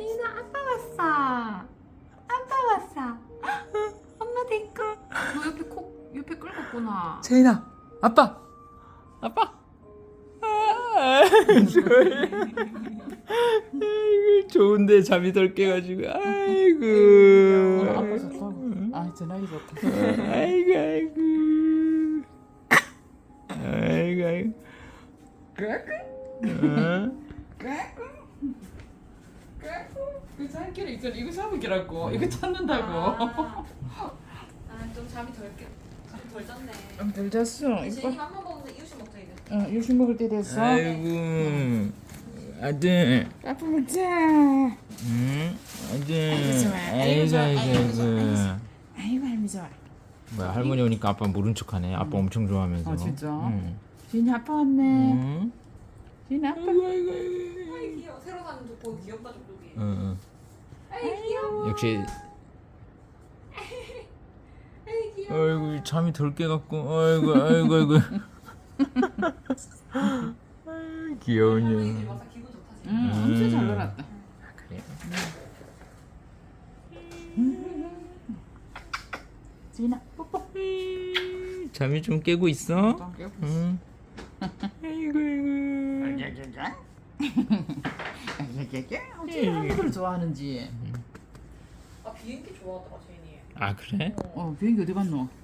지인아 아빠 왔어. 아빠 왔어. 엄마 데리고. 너 옆에 끌었구나. 제인아, 아빠. 아이고, 좋은데 잠이 덜 깨가지고. 아이고. 아빠 좋다고. 아 전화기 좋다. 아이고. 어? 그 살길에 있잖아. 이거 잡으기라고. 이거 찾는다고. 좀 잠이 덜 잤네. 덜 잤어. 지인이 밥만 먹는데 이유식 먹자 이제. 요식 먹을 때 됐어. 아이고. 아들. 아빠 먹자. 응? 아들. 좋아. 아이고, 좋아. 아이고, 좋아. 아이고. 아이고 할미 좋아. 뭐야, 할머니 오니까 아빠 모른 척하네. 아빠 엄청 좋아하면서. 진짜? 응. 지인이 아빠 왔네. 응? 지인이 아빠. 아이고. 아이 귀여워. 새로 사는 족보 귀엽다 족보기. 응. 아이 귀여워. 역시. 아이 귀여워. 아이고, 잠이 덜 깨갖고. 아이고. 아이, 귀여운 할머니들이 년. 와서 기분 좋다 지금. 엄청 잘 놀았다. 그래. 지인아 뽀뽀. 잠이 좀 깨고 있어? 또 깨고 있어. 응. 아이고. 어째 할머니들 좋아하는지. 아 비행기 좋아하더라 제인이. 아, 그래? 비행기 어디 갔노?